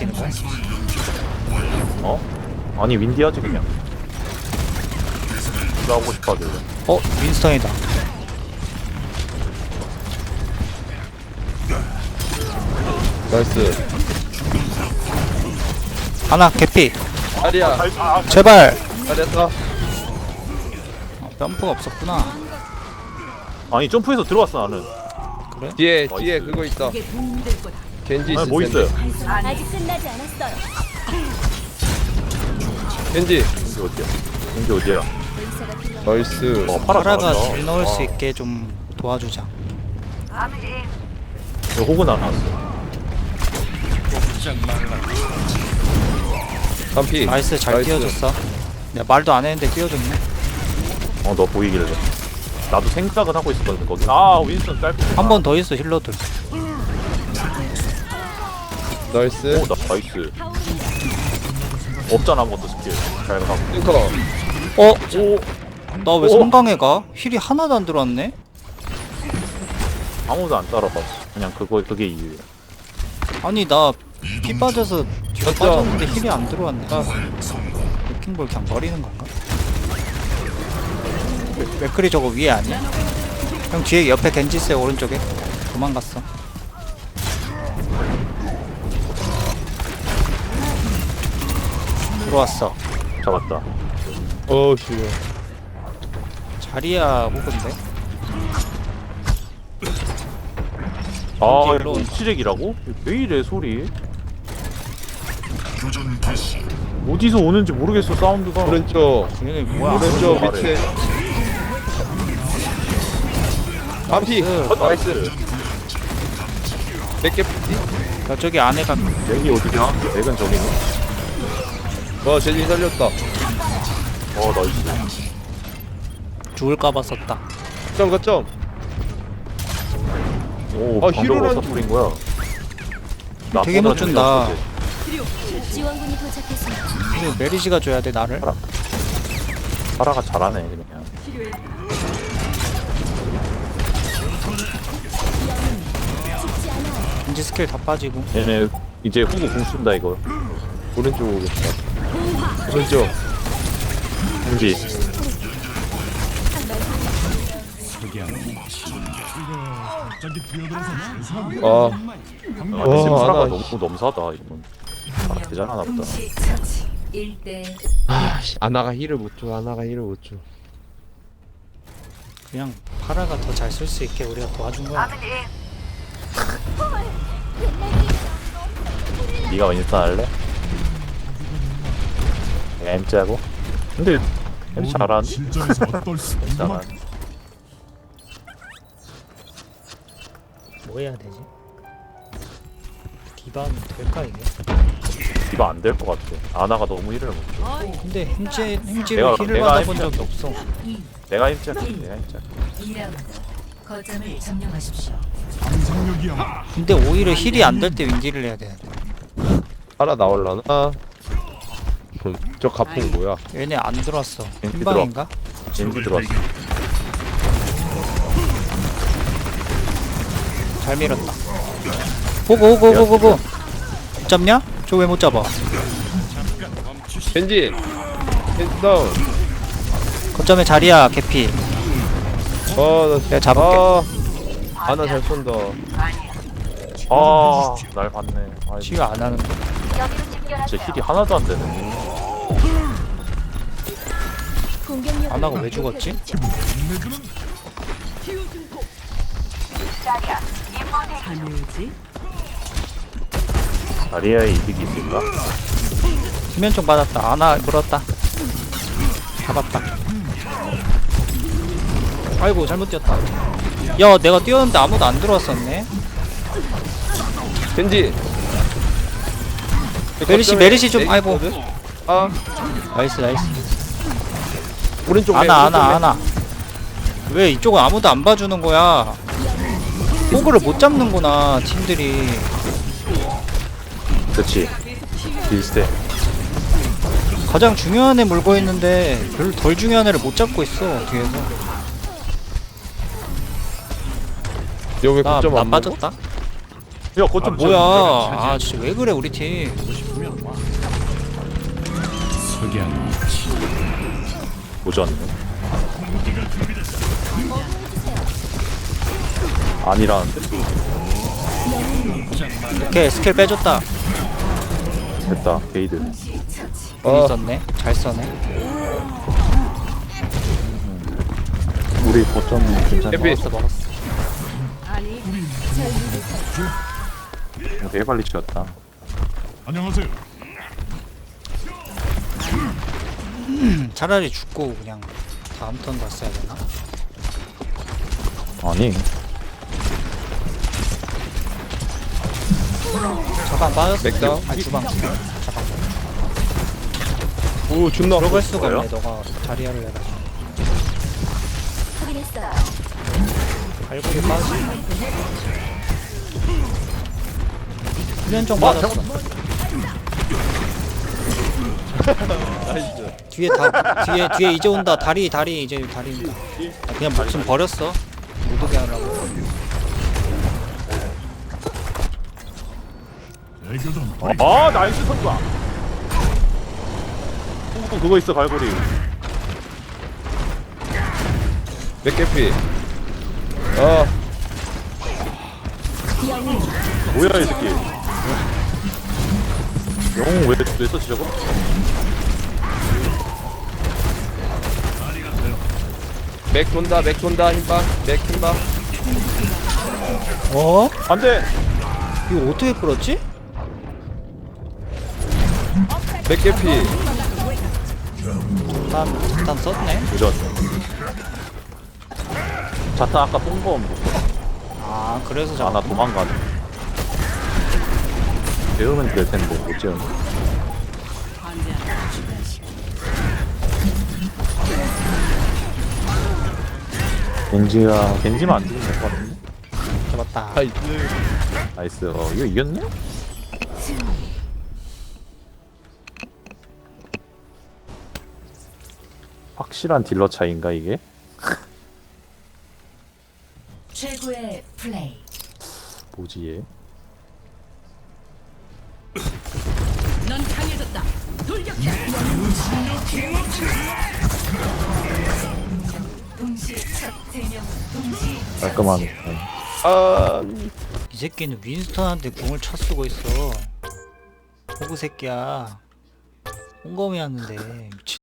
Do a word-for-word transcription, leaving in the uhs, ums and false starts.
뛰는 거야? 어? 아니 윈디하지 그냥. 누가 하고 싶어 하길래. 어? 윈스턴이다. 나이스. 하나 개피. 아리야. 제발. 잘했어. 아, 점프가 없었구나. 아니 점프해서 들어왔어 나는. 그래? 뒤에 나이스. 뒤에 그거 있다. 겐지 아니 있을 뭐 텐데. 있어요? 아직 끝나지 않았어요. 겐지. 이게 어디야? 이게 어디야? 의사가 필요한 나이스. 어 파라 파라가 잘한다. 딜 넣을 수 아, 있게 좀 도와주자. 이거 호그 안 나왔어. 반피. 나이스 잘 나이스. 띄워줬어. 내가 말도 안 했는데 띄워줬네. 어 너 보이길래. 나도 생각은 하고 있었거든 거기. 아 윈스턴 짧게. 한 번 더 있어 힐러들. 나이스. 오나 나이스. 없잖아 아무것도 스킬. 잘 가고. 링커. 어? 오 나 왜 오. 성강에 가? 힐이 하나도 안 들어왔네? 아무도 안 따라가. 그냥 그거 그게 이유야. 아니 나 피 빠져서 뒤로 맞죠? 빠졌는데 힐이 안 들어왔네. 레킹볼 그냥 버리는 건가? 맥- 맥크리 저거 위에 아니야? 형 뒤에 옆에 겐지 있어요 오른쪽에. 도망갔어. 들어왔어. 잡았다. 어우 씨. 자리야 호근데? 아 이제 이거 올라온다. 시렉이라고? 왜 이래 소리? 어디서 오는지 모르겠어 사운드가. 오른쪽. 얘네 뭐야? 오른쪽 아래. 밑에. 반피. 어, 나이스. 몇개 피지? 저쪽에 안에가 맥이 어디냐? 맥은 저기네. 와 제지 살렸다. 어 나이스. 죽을까봐 썼다. 점 거점. 오 아, 방벽으로 히로란 사투린 거야. 나 되게 못 준다. 지원군이 도착했습니다. 이거 메리시가 줘야 돼 나를. 파라가 잘하네 그냥. 겐지 스킬 다 빠지고. 얘네 이제 후구 공 쓴다 이거. 오른쪽 오겠다. 오른쪽. 공지. 아. 아 와, 근데 파라가 나- 너무 넘사다 이건. 아 대단하다 보다. 일 대 아씨 아나가 힐을 못 줘. 아나가 힐을 못 줘. 그냥 파라가 더 잘 쓸 수 있게 우리가 도와준 거야. 네가 윈스턴 할래? 내가 엠지 하고. 근데 엠지 잘하네. 실전에서 어떨 수 잘하네. 뭐 해야 되지? 디바는 될까 이게? 디바 안 될 것 같아. 아나가 너무 힐을 못 줘. 근데 햄찌 햄찌를 내가- 힐을 내가 받아본 햄찌 적이 없어. 내가 엠지 할게. 내가 엠지 할게. 이 라운드 거점을 점령하십시오. 상상력이야말로 근데 오히려 힐이 안 될 때 윈디를 해야 돼. 하나 나올라나? 아. 그럼 저 가풍 뭐야? 얘네 안 들어왔어. 겐지 흰방인가? 엠지 들어왔어. 잘 밀었다. 보고 오고 오고 오고. 못 잡냐? 저 왜 못 잡아? 겐지. 겐지 다운. 거점에 자리야 개피. 아나 내가 잡을게. 아. 아나 잘 쏜다. 아, 날 봤네. 아, 치유 안 하는데. 진짜 힐이 하나도 안 되네. 공격력 아나가 왜 죽었지? 다리아의 이득이 있을까? 수면총 받았다. 아나 물었다. 잡았다. 아이고 잘못 뛰었다. 야 내가 뛰었는데 아무도 안 들어왔었네. 겐지. 메리시 메리시 좀 아이고. 아 나이스 나이스. 오른쪽 아나 맨, 아나 오른쪽 맨. 아나. 왜 이쪽은 아무도 안 봐주는 거야? 호그를 못 잡는구나 팀들이. 그치. 비슷해. 가장 중요한 애 물고 있는데 별로 덜 중요한 애를 못 잡고 있어 뒤에서. 여기 나, 거점 나 안 먹어? 빠졌다. 야 거점 뭐야? 아 진짜 왜 그래 우리 팀? 석양 보지 않네. 아니라는데? 오케이 스킬 빼줬다. 됐다 게이드. 공 어. 있었네. 잘 써네. 우리 거점 괜찮아. 에피. 먹었어 먹었어. 되게 빨리 치웠다. 안녕하세요. 음, 차라리 죽고 그냥 다음 턴 갔어야 되나? 아니 잠깐 빠졌어. 맥다운? 아 주방. 잠깐. 오 존나 들어갈 수가 뭐예요? 없네. 너가 자리야를 해가지고. 확인했어요. 발골이 빠지. 훈련정 아, 맞았어. 나이스. 뒤에 다 뒤에 뒤에 이제 온다. 다리 다리 이제 다리입니다. 아, 그냥 목숨 버렸어. 못 오게 하려고. 애교전 아 나이스 선수야. 또 그거 있어 갈고리. 맥개피. 어 뭐야 이 새끼. 영웅 왜, 왜 썼지 저거? 맥 돈다 맥 돈다 힘박 맥 힘박. 어? 안돼. 이거 어떻게 끌었지? 맥개피. 일단 일단 썼네. 도전. 자타 아까 뽕거 못 아 그래서 아, 나 잡았구나. 도망가네. 배우면 될 텐데 못 지은. 겐지가 겐지만 안 죽으면 될 것 같은데. 잡았다. 나이스. 나이스. 어 이거 이겼네? 확실한 딜러 차이인가 이게? 최고의 플레이. 뭐지 얘? 넌 강해졌다. 돌격해. 동시 첫세명 동시. 깔끔하네. 아 이 새끼는 윈스턴한테 궁을 쳐 쓰고 있어. 호구 새끼야. 홍검이었는데 미친.